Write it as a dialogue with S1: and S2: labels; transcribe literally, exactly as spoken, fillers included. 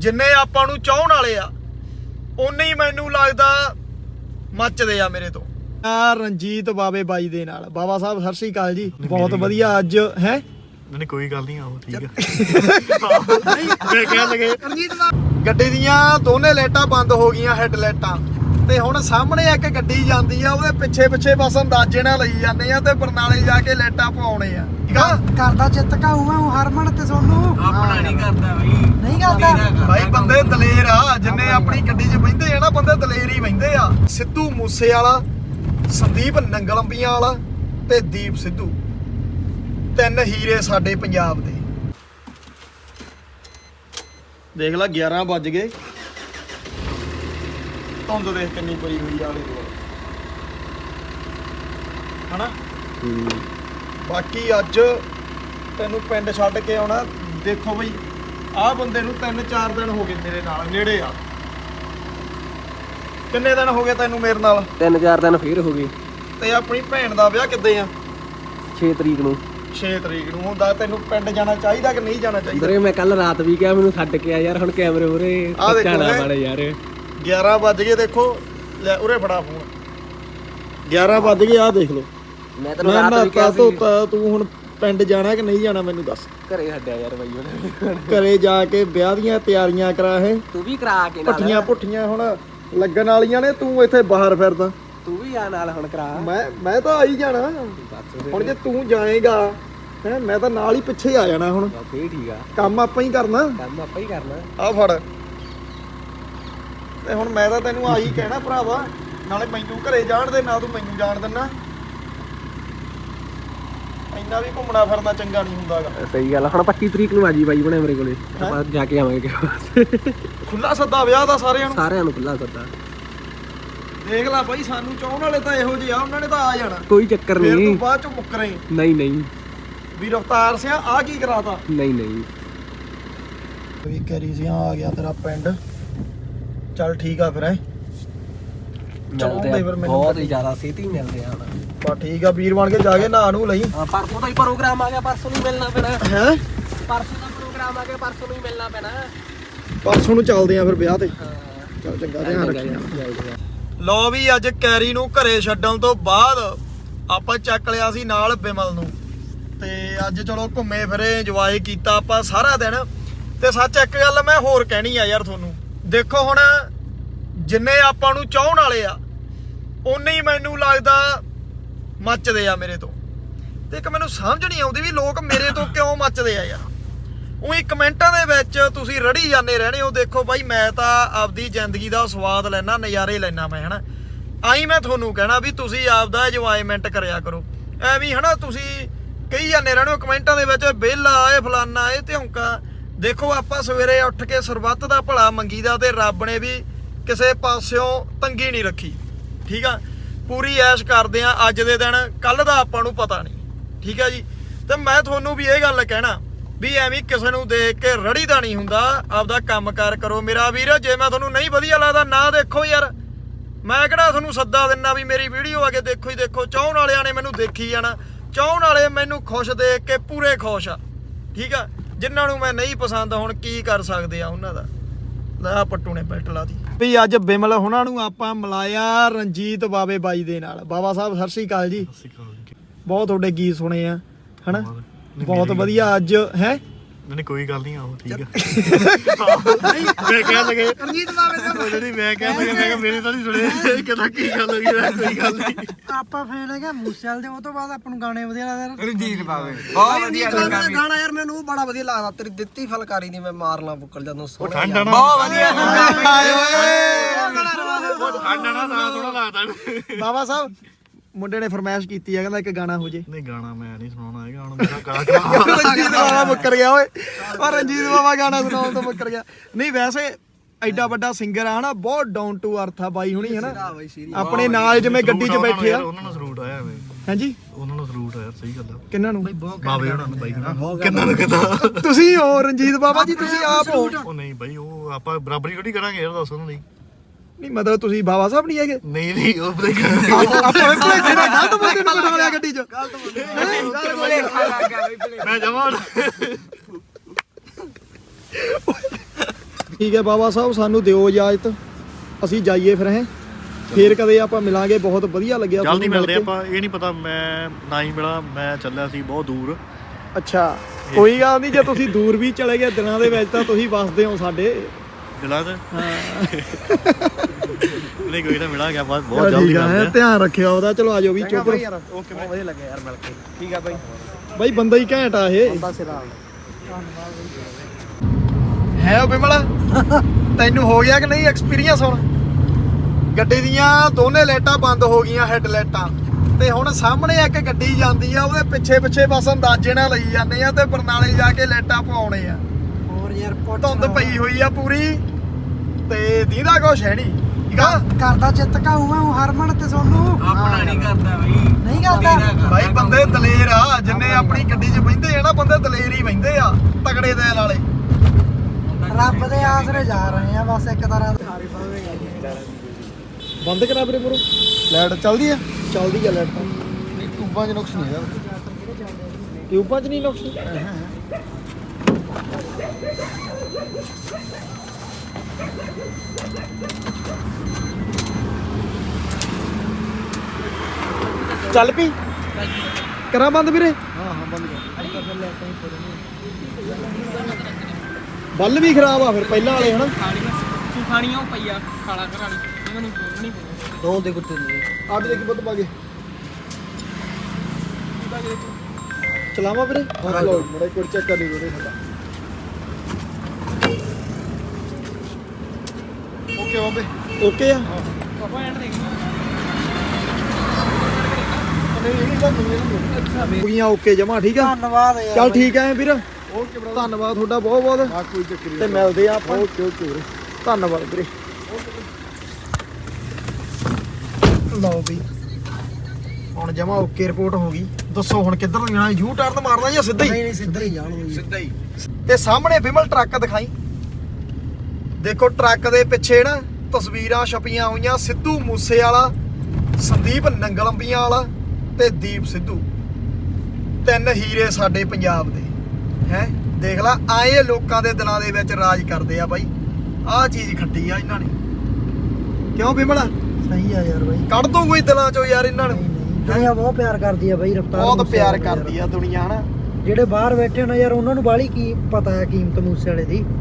S1: ਜਿੰਨੇ ਆਪਾਂ ਨੂੰ ਚਾਹਣ ਵਾਲੇ ਆ ਉਨੇ ਹੀ ਮੈਨੂੰ ਲੱਗਦਾ ਮੱਚਦੇ ਆ ਮੇਰੇ ਤੋਂ। ਆ ਰਣਜੀਤ ਬਾਵੇ ਬਾਈ ਦੇ ਨਾਲ। ਬਾਬਾ ਸਾਹਿਬ ਸਤਿ ਸ੍ਰੀ ਅਕਾਲ ਜੀ। ਬਹੁਤ ਵਧੀਆ ਅੱਜ ਹੈ
S2: ਨਹੀਂ ਕੋਈ ਗੱਲ ਨਹੀਂ ਆਓ ਠੀਕ ਆ। ਮੈਂ ਕਹਿ ਲਗੇ
S1: ਗੱਡੀ ਦੀਆਂ ਦੋਨੇ ਲਾਈਟਾਂ ਬੰਦ ਹੋ ਗਈਆਂ, ਹੈਡ ਲਾਈਟਾਂ, ਤੇ ਹੁਣ ਸਾਹਮਣੇ ਇੱਕ ਗੱਡੀ ਜਾਂਦੀ ਆ, ਉਹਦੇ ਪਿੱਛੇ ਪਿੱਛੇ ਬਸ ਅੰਦਾਜ਼ੇ ਨਾਲ ਲਈ ਜਾਂਦੇ ਆ ਤੇ ਬਰਨਾਲੇ ਜਾ ਕੇ ਲਾਈਟਾਂ ਪਵਾਉਣੇ ਆ। ਠੀਕ ਆ
S3: ਕਰਦਾ ਚਿੱਤ ਕਾਊਗਾ ਉਹ ਹਰਮਨ ਤੇ ਸੋਨੂੰ
S4: ਆਪਣਾ ਨਹੀਂ ਕਰਦਾ ਬਈ,
S3: ਨਹੀਂ ਕਰਦਾ
S1: ਭਾਈ। ਬੰਦੇ ਦਲੇਰ ਆ, ਜਿੰਨੇ ਆਪਣੀ ਗੱਡੀ 'ਚ ਬਹਿੰਦੇ ਆ ਨਾ ਬੰਦੇ ਦਲੇਰ ਹੀ ਬਹਿੰਦੇ ਆ। ਸਿੱਧੂ ਮੂਸੇ ਵਾਲਾ, ਸੰਦੀਪ ਨੰਗਲੰਬੀਆਂ ਵਾਲਾ ਤੇ ਦੀਪ ਸਿੱਧੂ, ਤਿੰਨ ਹੀਰੇ ਸਾਡੇ ਪੰਜਾਬ ਦੇ। ਦੇਖ ਲੈ ਗਿਆਰਾਂ ਵੱਜ ਗਏ, ਧੁੰਦ ਦੇਖ ਕਿੰਨੀ ਪਈ ਹੋਈ ਆ ਆਲੇ ਦੁਆਲੇ ਹਨਾ। ਬਾਕੀ ਅੱਜ ਤੈਨੂੰ ਪਿੰਡ ਛੱਡ ਕੇ ਆਉਣਾ। ਦੇਖੋ ਬਈ ਆਹ ਬੰਦੇ ਨੂੰ ਤਿੰਨ ਚਾਰ ਦਿਨ ਹੋ ਗਏ ਮੇਰੇ ਨਾਲ, ਨੇੜੇ ਆ। ਕਿੰਨੇ ਦਿਨ ਹੋ ਗਏ ਤੈਨੂੰ ਮੇਰੇ ਨਾਲ?
S4: ਤਿੰਨ ਚਾਰ ਦਿਨ ਫੇਰ ਹੋ ਗਏ।
S1: ਤੇ ਆਪਣੀ ਭੈਣ ਦਾ ਵਿਆਹ ਕਿੱਦੇ ਆ?
S4: ਛੇ ਤਰੀਕ ਨੂੰ।
S1: ਛੇ ਤਰੀਕ ਨੂੰ ਹੁੰਦਾ। ਤੈਨੂੰ ਪਿੰਡ ਜਾਣਾ ਚਾਹੀਦਾ ਕਿ ਨਹੀਂ ਜਾਣਾ ਚਾਹੀਦਾ?
S4: ਵੀਰੇ ਮੈਂ ਕੱਲ ਰਾਤ ਵੀ ਕਿਹਾ ਮੈਨੂੰ ਛੱਡ ਕੇ ਆ ਯਾਰ, ਹੁਣ ਕੈਮਰੇ ਉਰੇ
S1: ਆਹ ਦੇਖੋ
S4: ਜਾਣਾ
S1: ਹੈਂ।
S4: ਵਾਲੇ ਯਾਰ।
S1: ਗਿਆਰਾਂ ਵੱਜ ਗਏ, ਦੇਖੋ ਲੈ ਉਰੇ ਫੜਾ ਫੋਨ। ਗਿਆਰਾਂ ਵੱਜ ਗਏ, ਆਹ ਦੇਖ ਲਓ।
S4: ਮੈਂ ਤੈਨੂੰ
S1: ਮੈਂ
S4: ਰਾਤ ਵੀ ਕਿਹਾ
S1: ਨਾਤਾ
S4: ਸੀ
S1: ਧੋਤਾ, ਤੂੰ ਹੁਣ ਪਿੰਡ ਜਾਣਾ ਕਿ ਨਹੀਂ ਜਾਣਾ ਮੈਨੂੰ ਦੱਸ।
S4: ਘਰੇ ਛੱਡਿਆ ਯਾਰ ਬਾਈ ਉਹਨੇ।
S1: ਘਰੇ ਜਾ ਕੇ ਵਿਆਹ ਦੀਆਂ ਤਿਆਰੀਆਂ ਕਰਾ ਹੈ,
S4: ਤੂੰ ਵੀ ਕਰਾ ਕੇ ਨਾਲ।
S1: ਪੱਠੀਆਂ ਪੁੱਠੀਆਂ ਹੁਣ ਲੱਗਣ ਵਾਲੀਆਂ ਨੇ, ਤੂੰ ਇੱਥੇ ਬਾਹਰ ਫਿਰਦਾ।
S4: ਤੂੰ ਵੀ ਆ ਨਾਲ ਹੁਣ ਕਰਾ।
S1: ਮੈਂ ਮੈਂ ਤਾਂ ਆਈ ਜਾਣਾ ਹੁਣ। ਜੇ ਤੂੰ ਜਾਏਗਾ ਹੈ ਮੈਂ ਤਾਂ ਨਾਲ ਹੀ ਪਿੱਛੇ ਆ ਜਾਣਾ। ਹੁਣ
S4: ਫੇਰ ਠੀਕ ਆ,
S1: ਕੰਮ ਆਪਾਂ ਹੀ ਕਰਨਾ,
S4: ਕੰਮ ਆਪਾਂ ਹੀ ਕਰਨਾ।
S1: ਆ ਫੜ। ਤੇ ਹੁਣ ਮੈਂ ਤਾਂ ਤੈਨੂੰ ਆਹੀ ਕਹਿਣਾ ਭਰਾਵਾ, ਨਾਲੇ ਮੈਨੂੰ ਘਰੇ ਜਾਣ ਦੇ, ਨਾ ਤੂੰ ਮੈਨੂੰ ਜਾਣ ਦਿੰਨਾ। ਇੰਨਾ ਵੀ ਘੁੰਮਣਾ ਫਿਰਨਾ ਚੰਗਾ ਨਹੀਂ ਹੁੰਦਾਗਾ।
S4: ਸਹੀ ਗੱਲ ਆ। ਹੁਣ ਪੱਚੀ ਤਰੀਕ ਨੂੰ ਆ ਜੀ ਬਾਈ ਬਣੇ ਮੇਰੇ ਕੋਲੇ, ਆਪਾਂ ਜਾ ਕੇ ਆਵਾਂਗੇ ਕਿਸੇ।
S1: ਖੁੱਲਾ ਸੱਦਾ ਵਿਆਹ ਦਾ ਸਾਰਿਆਂ ਨੂੰ,
S4: ਸਾਰਿਆਂ ਨੂੰ ਖੁੱਲਾ ਸੱਦਾ।
S1: ਦੇਖ ਲੈ ਬਾਈ, ਸਾਨੂੰ ਚਾਹਣ ਵਾਲੇ ਤਾਂ ਇਹੋ ਜਿਹੇ ਆ, ਉਹਨਾਂ ਨੇ ਤਾਂ ਆ ਜਾਣਾ।
S4: ਕੋਈ ਚੱਕਰ
S1: ਫਿਰ
S4: ਨਹੀਂ।
S1: ਤੂੰ ਬਾਅਦ ਚੋਂ ਮੁੱਕਰੇ
S4: ਨਹੀਂ ਨਹੀਂ
S1: ਵੀ ਰਫਤਾਰ ਸਿਆ ਆ ਕੀ ਕਰਾਤਾ।
S4: ਨਹੀਂ ਨਹੀਂ
S1: ਵੀ ਕਰੀ ਸਿਆ ਆ ਗਿਆ ਤੇਰਾ ਪਿੰਡ। ਚੱਲ ਠੀਕ ਆ ਫਿਰ ਹੈ,
S4: ਮਿਲਦੇ ਆ, ਬਹੁਤ ਹੀ ਜ਼ਿਆਦਾ ਛੇਤੀ ਮਿਲਦੇ ਆ ਹੁਣ।
S1: ਬਾ ਠੀਕ ਆ, ਵੀਰ ਬਣ ਕੇ ਜਾ ਕੇ ਨਹਾ ਨੂੰ ਲਈ।
S4: ਹਾਂ ਪਰਸੋਂ ਦਾ ਹੀ ਪ੍ਰੋਗਰਾਮ ਆ ਗਿਆ, ਪਰਸੋਂ ਨੂੰ ਮਿਲਣਾ ਪੈਣਾ।
S1: ਹੈ
S4: ਪਰਸੋਂ ਦਾ ਪ੍ਰੋਗਰਾਮ ਆ ਗਿਆ, ਪਰਸੋਂ ਨੂੰ ਹੀ ਮਿਲਣਾ ਪੈਣਾ।
S1: ਪਰਸੋਂ ਨੂੰ ਚੱਲਦੇ ਆ ਫਿਰ ਵਿਆਹ ਤੇ।
S4: ਹਾਂ
S1: ਚੱਲ ਚੰਗਾ, ਧਿਆਨ ਰੱਖੀ।
S4: ਰੱਖੀ।
S1: ਲੋ ਵੀ ਅੱਜ ਕੈਰੀ ਨੂੰ ਘਰੇ ਛੱਡਣ ਤੋਂ ਬਾਅਦ ਆਪਾਂ ਚੱਕ ਲਿਆ ਸੀ ਨਾਲ ਬਿਮਲ ਨੂੰ, ਤੇ ਅੱਜ ਚਲੋ ਘੁੰਮੇ ਫਿਰੇ, ਇੰਜੋਏ ਕੀਤਾ ਆਪਾਂ ਸਾਰਾ ਦਿਨ। ਤੇ ਸੱਚ ਇੱਕ ਗੱਲ ਮੈਂ ਹੋਰ ਕਹਿਣੀ ਆ ਯਾਰ ਤੁਹਾਨੂੰ। ਦੇਖੋ ਹੁਣ ਜਿੰਨੇ ਆਪਾਂ ਨੂੰ ਚਾਹਣ ਵਾਲੇ ਆ ਉਨੇ ਹੀ ਮੈਨੂੰ ਲੱਗਦਾ ਮੱਚਦੇ ਆ ਮੇਰੇ ਤੋਂ। ਤੇ ਇੱਕ ਮੈਨੂੰ ਸਮਝ ਨਹੀਂ ਆਉਂਦੀ ਵੀ ਲੋਕ ਮੇਰੇ ਤੋਂ ਕਿਉਂ ਮੱਚਦੇ ਆ ਯਾਰ। ਉਹੀ ਕਮੈਂਟਾਂ ਦੇ ਵਿੱਚ ਤੁਸੀਂ ਰੜੀ ਜਾਂਦੇ ਰਹਿਣੇ ਹੋ। ਦੇਖੋ ਬਾਈ, ਮੈਂ ਤਾਂ ਆਪਦੀ ਜ਼ਿੰਦਗੀ ਦਾ ਸਵਾਦ ਲੈਣਾ, ਨਜ਼ਾਰੇ ਲੈਣਾ ਮੈਂ ਹਨਾ। ਆਈ ਮੈਂ ਤੁਹਾਨੂੰ ਕਹਿਣਾ ਵੀ ਤੁਸੀਂ ਆਪਦਾ ਇੰਜੋਇਮੈਂਟ ਕਰਿਆ ਕਰੋ। ਐਵੇਂ ਹਨਾ ਤੁਸੀਂ ਕਹੀ ਜਾਂਦੇ ਰਹਿਣੇ ਹੋ ਕਮੈਂਟਾਂ ਦੇ ਵਿੱਚ, ਵਿਹਲਾ ਇਹ ਫਲਾਨਾ ਇਹ ਧਿਉਂਕਾ। ਦੇਖੋ ਆਪਾਂ ਸਵੇਰੇ ਉੱਠ ਕੇ ਸਰਬੱਤ ਦਾ ਭਲਾ ਮੰਗੀਦਾ, ਤੇ ਰੱਬ ਨੇ ਵੀ ਕਿਸੇ ਪਾਸਿਓਂ ਤੰਗੀ ਨਹੀਂ ਰੱਖੀ। ਠੀਕ ਆ, ਪੂਰੀ ਐਸ਼ ਕਰਦੇ ਆ ਅੱਜ ਦੇ ਦਿਨ, ਕੱਲ ਦਾ ਆਪਾਂ ਨੂੰ ਪਤਾ ਨਹੀਂ। ਠੀਕ ਆ ਜੀ। ਤੇ ਮੈਂ ਤੁਹਾਨੂੰ ਵੀ ਇਹ ਗੱਲ ਕਹਿਣਾ ਵੀ ਐਵੇਂ ਕਿਸੇ ਨੂੰ ਦੇਖ ਕੇ ਰੜੀ ਦਾ ਨਹੀਂ ਹੁੰਦਾ, ਆਪਦਾ ਕੰਮਕਾਰ ਕਰੋ ਮੇਰਾ ਵੀਰ। ਜੇ ਮੈਂ ਤੁਹਾਨੂੰ ਨਹੀਂ ਵਧੀਆ ਲੱਗਦਾ ਨਾ ਦੇਖੋ ਯਾਰ, ਮੈਂ ਕਿਹੜਾ ਤੁਹਾਨੂੰ ਸੱਦਾ ਦਿੰਨਾ ਵੀ ਮੇਰੀ ਵੀਡੀਓ ਆ ਕੇ ਦੇਖੋ ਹੀ ਦੇਖੋ। ਚਾਹਣ ਵਾਲਿਆਂ ਨੇ ਮੈਨੂੰ ਦੇਖੀ ਜਾਣਾ, ਚਾਹਣ ਵਾਲੇ ਮੈਨੂੰ ਖੁਸ਼ ਦੇਖ ਕੇ ਪੂਰੇ ਖੁਸ਼ ਆ। ਠੀਕ ਆ, ਜਿਨ੍ਹਾਂ ਨੂੰ ਮੈਂ ਨਹੀਂ ਪਸੰਦ ਹੁਣ ਕੀ ਕਰ ਸਕਦੇ ਆ ਉਹਨਾਂ ਦਾ। ਲੈ ਪੱਟੂ ਨੇ ਬੈਲਟ ਲਾਤੀ ਵੀ। ਅੱਜ ਬਿਮਲ ਹੁਣਾਂ ਨੂੰ ਆਪਾਂ ਮਿਲਾਇਆ ਰਣਜੀਤ ਬਾਵੇ ਬਾਈ ਦੇ ਨਾਲ। ਬਾਬਾ ਸਾਹਿਬ ਸਤਿ ਸ੍ਰੀ ਅਕਾਲ ਜੀ। ਬਹੁਤ ਤੁਹਾਡੇ ਗੀਤ ਸੁਣੇ ਆ ਹਨਾ, ਬਹੁਤ ਵਧੀਆ ਅੱਜ ਹੈ।
S2: ਨਹੀਂ ਕੋਈ ਗੱਲ ਨਹੀਂ ਆਓ ਠੀਕ ਆ। ਮੈਂ ਕਹਿ ਲਗੇ
S3: ਰਣਜੀਤ ਬਾਵੇ ਦਾ
S2: ਜਿਹੜੀ ਮੈਂ ਕਹਿ ਲਗਾ, ਮੈਂ ਕਿਹਾ ਮੇਰੇ ਤਾਂ ਨਹੀਂ ਸੁਣੇ। ਕਹਿੰਦਾ ਕੀ ਗੱਲ ਹੋ ਗਈ? ਮੈਂ ਕੋਈ ਗੱਲ ਨਹੀਂ।
S3: ਆਪਾਂ ਫੇਰ ਹੈਗਾ ਮੂਸੇਵਾਲ ਦੇ, ਉਹ ਤੋਂ ਬਾਅਦ ਆਪਾਂ ਨੂੰ ਗਾਣੇ ਵਧੀਆ ਲੱਗਦੇ।
S4: ਰਣਜੀਤ ਬਾਵੇ ਬਹੁਤ ਵਧੀਆ
S3: ਗਾਣਾ ਯਾਰ ਮੈਨੂੰ ਉਹ ਬੜਾ ਵਧੀਆ ਲੱਗਦਾ। ਤੇਰੀ ਦਿੱਤੀ ਫਲਕਾਰੀ ਦੀ ਮੈਂ ਮਾਰਨਾ ਬੁੱਕਲ ਜਦੋਂ
S2: ਉਹ ਠੰਡਾ ਨਾ
S4: ਬਹੁਤ ਵਧੀਆ।
S2: ਠੰਡਾ ਨਾ ਤਾਂ ਥੋੜਾ ਲੱਗਦਾ।
S1: ਬਾਬਾ ਸਾਹਿਬ ਮੁੰਡੇ ਨੇ ਫਰਮਾਇਸ਼ ਕੀਤੀ ਆ, ਕਹਿੰਦਾ ਇੱਕ ਗਾਣਾ ਹੋ ਜੇ।
S2: ਨਹੀਂ ਗਾਣਾ ਮੈਂ ਨਹੀਂ ਸੁਣਾਉਣਾ ਹੈਗਾ, ਹੁਣ ਮੇਰਾ ਗਾਣਾ ਖਰਾਬ।
S1: ਰਣਜੀਤ ਬਾਬਾ ਮੁੱਕਰ ਗਿਆ ਓਏ। ਪਰ ਰਣਜੀਤ ਬਾਬਾ ਗਾਣਾ ਸੁਣਾਉਣ ਤੋਂ ਮੁੱਕਰ ਗਿਆ। ਨਹੀਂ ਵੈਸੇ ਐਡਾ ਵੱਡਾ ਸਿੰਗਰ ਆ ਹਨਾ, ਬਹੁਤ ਡਾਊਨ ਟੂ ਅਰਥ ਆ ਬਾਈ ਹੁਣੀ ਹਨਾ। ਆਪਣੇ ਨਾਲ ਜਿਵੇਂ ਗੱਡੀ 'ਚ ਬੈਠੇ ਆ।
S2: ਉਹਨਾਂ ਨੂੰ ਸਲੂਟ ਆਇਆ ਐਵੇਂ।
S1: ਹਾਂਜੀ
S2: ਉਹਨਾਂ ਨੂੰ ਸਲੂਟ ਆਇਆ, ਸਹੀ ਗੱਲ ਆ।
S1: ਕਿੰਨਾਂ ਨੂੰ?
S2: ਬਾਵੇ ਉਹਨਾਂ ਨੂੰ ਬਾਈ ਕਿੰਨਾਂ ਨੂੰ ਕਿਦਾਂ?
S1: ਤੁਸੀਂ ਹੋ ਰਣਜੀਤ ਬਾਬਾ ਜੀ, ਤੁਸੀਂ ਆਪ ਹੋ।
S2: ਉਹ ਨਹੀਂ ਬਾਈ, ਉਹ ਆਪਾਂ ਬਰਾਬਰੀ ਥੋੜੀ ਕਰਾਂਗੇ ਯਾਰ, ਦੱਸ ਉਹਨਾਂ ਦੀ।
S1: ਨਹੀਂ ਮਤਲਬ ਤੁਸੀਂ ਬਾਬਾ ਸਾਹਿਬ ਨਹੀਂ ਹੈਗੇ?
S2: ਨਹੀਂ ਨਹੀਂ ਉਹ ਬਈ
S1: ਆਪਾਂ ਵੀ ਭਲੇਖੇ ਨਾਲ ਗਲਤ ਬੰਦੇ ਨੂੰ ਬਿਠਾ ਲਿਆ ਗੱਡੀ 'ਚ।
S2: ਮੈਂ ਜਮਾਂ
S1: ਠੀਕ ਹੈ ਬਾਬਾ ਸਾਹਿਬ, ਸਾਨੂੰ ਦਿਓ ਇਜਾਜ਼ਤ, ਅਸੀਂ ਜਾਈਏ ਫਿਰ ਹੈ ਫੇਰ ਕਦੇ ਆਪਾਂ ਮਿਲਾਂਗੇ। ਬਹੁਤ ਵਧੀਆ ਲੱਗਿਆ
S2: ਜਲਦੀ
S1: ਤੁਹਾਨੂੰ
S2: ਮਿਲਦੇ
S1: ਮਿਲ ਕੇ।
S2: ਆਪਾਂ। ਇਹ ਨਹੀਂ ਪਤਾ ਮੈਂ ਨਾ ਹੀ ਮਿਲਾਂ, ਮੈਂ ਚੱਲਿਆ ਸੀ ਬਹੁਤ ਦੂਰ।
S1: ਅੱਛਾ ਕੋਈ ਗੱਲ ਨਹੀਂ, ਜੇ ਤੁਸੀਂ ਦੂਰ ਵੀ ਚਲੇ ਗਏ ਦਿਨਾਂ ਦੇ ਵਿੱਚ ਤਾਂ ਤੁਸੀਂ ਵਸਦੇ ਹੋ ਸਾਡੇ
S2: ਦਿਲਾਂ 'ਚ।
S1: ਹਾਂ
S2: ਨਹੀਂ ਕੋਈ ਨਾ, ਮਿਲਾਂਗੇ ਆਪਾਂ ਬਹੁਤ ਜਲਦੀ ਮਿਲਦੇ ਆ।
S1: ਧਿਆਨ ਰੱਖਿਓ ਉਹਦਾ। ਚਲੋ ਆਜੋ ਵੀ ਚੁੱਪ
S3: ਓਕੇ ਬਹੁਤ ਵਧੀਆ ਲੱਗਿਆ ਯਾਰ ਮਿਲ ਕੇ। ਠੀਕ ਆ ਬਾਈ।
S1: ਬਾਈ ਬੰਦਾ ਹੀ ਘੈਂਟ ਆ ਇਹ
S3: ਬੰਦਾ ਸਿਰਾ
S1: ਹੈ ਬਿਮਲ। ਤੈਨੂੰ ਹੋ ਗਿਆ ਕਿ ਨਹੀਂ ਐਕਸਪੀਰੀਅੰਸ? ਹੁਣ ਗੱਡੀ ਦੀਆਂ ਦੋਨੇ ਲਾਈਟਾਂ ਬੰਦ ਹੋ ਗਈਆਂ, ਹੈਡ ਲਾਈਟਾਂ, ਤੇ ਹੁਣ ਸਾਹਮਣੇ ਇੱਕ ਗੱਡੀ ਜਾਂਦੀ ਆ, ਉਹਦੇ ਪਿੱਛੇ ਪਿੱਛੇ ਬਸ ਅੰਦਾਜ਼ੇ ਨਾਲ ਲਈ ਜਾਂਦੇ ਆ ਤੇ ਬਰਨਾਲੇ ਜਾ ਕੇ ਲਾਈਟਾਂ ਪਵਾਉਣੇ ਆ।
S3: ਹੋਰ ਯਾਰ
S1: ਧੁੰਦ ਪਈ ਹੋਈ ਆ ਪੂਰੀ ਤੇ ਦੀਦਾ ਕੁਛ ਹੈ ਨਹੀਂ। ਠੀਕ ਆ
S3: ਕਰਦਾ ਚਿੱਤ ਕਾਊਗਾ ਹਰਮਨ ਤੇ ਸੋਨੂੰ।
S4: ਆਪਣਾ ਨਹੀਂ ਕਰਦਾ ਬਈ,
S3: ਨਹੀਂ ਕਰਦਾ
S1: ਬਾਈ ਬੰਦੇ ਦਲੇਰ ਆ, ਜਿੰਨੇ ਆਪਣੀ ਗੱਡੀ 'ਚ ਬਹਿੰਦੇ ਆ ਨਾ ਬੰਦੇ ਦਲੇਰ ਹੀ ਬਹਿੰਦੇ ਆ, ਤਗੜੇ ਦਿਲ ਵਾਲੇ।
S3: ਰੱਬ ਦੇ ਆਸਰੇ ਜਾ ਰਹੇ ਆ ਬਸ ਇੱਕ ਤਰ੍ਹਾਂ ਦੇ।
S1: ਬੰਦ ਕਰਾ ਵੀਰੇ ਪੂਰਾ। ਲਾਈਟ ਚੱਲਦੀ ਆ? ਚੱਲਦੀ ਆ ਲਾਈਟ ਤਾਂ।
S3: ਟੂਬਾਂ 'ਚ ਨੁਕਸ ਨਹੀਂ ਹੈਗਾ।
S1: ਟਿਊਬਾਂ 'ਚ ਨਹੀਂ ਨੁਕਸ? ਚੱਲ ਪਈ ਕਰਾਂ ਬੰਦ ਵੀਰੇ?
S3: ਹਾਂ ਹਾਂ ਬੰਦ ਕਰ।
S1: ਬੱਲ ਵੀ ਖਰਾਬ ਆ ਫਿਰ ਪਹਿਲਾਂ ਵਾਲੇ ਹਨਾ।
S4: ਖਾਣੀਆਂ ਉਹ ਪਈਆ ਖਾਲਾ ਘਰਾਣੀ ਇਹਨਾਂ ਨੂੰ ਨਹੀਂ
S3: ਦੋ ਦੇ ਕੁੱਤੇ ਦੇ
S1: ਆ ਵੀ ਦੇਖੀ ਬੱਤ ਪਾ ਕੇ ਚਲਾਵਾ ਵੀਰੇ। ਹਾਂ ਚਲੋ ਮੜਾ ਇੱਕ ਵਾਰ ਚੈੱਕ ਕਰ ਲਈ ਵੀਰੇ ਸਾਡਾ। ਓਕੇ ਬਾਬੇ ਓਕੇ ਆ।
S4: ਪਾਪਾ ਐਂਡ ਦੇਖ
S1: ਹੋ ਗਈਆਂ ਓਕੇ ਜਮਾ। ਠੀਕ ਆ
S3: ਧੰਨਵਾਦ ਯਾਰ।
S1: ਚੱਲ ਠੀਕ ਆ ਵੀਰ। ਓਕੇ ਬ్రో, ਧੰਨਵਾਦ ਤੁਹਾਡਾ ਬਹੁਤ ਬਹੁਤ। ਹਾਂ ਕੋਈ ਚੱਕਰ ਨਹੀਂ, ਤੇ ਮਿਲਦੇ ਆ ਆਪਾਂ। ਓਕੇ ਓਕੇ ਵੀਰੇ, ਧੰਨਵਾਦ ਵੀਰੇ। ਲਓ ਵੀ ਹੁਣ ਜਮਾ ਓਕੇ ਰਿਪੋਰਟ ਹੋ ਗਈ। ਦੱਸੋ ਹੁਣ ਕਿੱਧਰ ਨੂੰ ਜਾਣਾ? ਯੂ ਟਰਨ ਮਾਰਨਾ ਜਾਂ ਸਿੱਧਾ
S3: ਨਹੀਂ
S1: ਹੀ?
S3: ਨਹੀਂ ਸਿੱਧਾ ਹੀ ਜਾਣਗੇ।
S1: ਸਿੱਧਾ ਹੀ। ਤੇ ਸਾਹਮਣੇ ਬਿਮਲ ਟਰੱਕ ਦਿਖਾਈ। ਦੇਖੋ ਟਰੱਕ ਦੇ ਪਿੱਛੇ ਨਾ ਤਸਵੀਰਾਂ ਛਪੀਆਂ ਹੋਈਆਂ, ਸਿੱਧੂ ਮੂਸੇ ਵਾਲਾ, ਸੰਦੀਪ ਨੰਗਲੰਬੀਆਂ ਵਾਲਾ ਤੇ ਦੀਪ ਸਿੱਧੂ। ਤਿੰਨ ਹੀਰੇ ਸਾਡੇ ਪੰਜਾਬ ਦੇ ਹੈ। ਦੇਖ ਲਾ ਆਏ ਲੋਕਾਂ ਦੇ ਦਿਲਾਂ ਦੇ ਵਿੱਚ ਰਾਜ ਕਰਦੇ ਆ ਬਾਈ। ਆਹ ਚੀਜ਼ ਖੱਟੀ ਆ ਇਹਨਾਂ ਨੇ। ਕਿਉਂ ਬਿਮਲ?
S3: ਸਹੀ ਆ ਯਾਰ ਬਾਈ।
S1: ਕੱਢ ਦੋ ਕੋਈ ਦਿਲਾਂ ਚੋਂ ਯਾਰ ਇਹਨਾਂ ਨੂੰ।
S3: ਦੁਨੀਆ ਬਹੁਤ ਪਿਆਰ ਕਰਦੀ ਆ ਬਾਈ ਰਫਤਾਰ।
S1: ਬਹੁਤ ਪਿਆਰ ਕਰਦੀ ਆ ਦੁਨੀਆ ਹਨਾ।
S3: ਜਿਹੜੇ ਬਾਹਰ ਬੈਠੇ ਨੇ ਯਾਰ ਉਹਨਾਂ ਨੂੰ ਬਾਹਲੀ ਕੀ ਪਤਾ ਹੈ ਕੀਮਤ ਮੂਸੇ ਵਾਲੇ ਦੀ।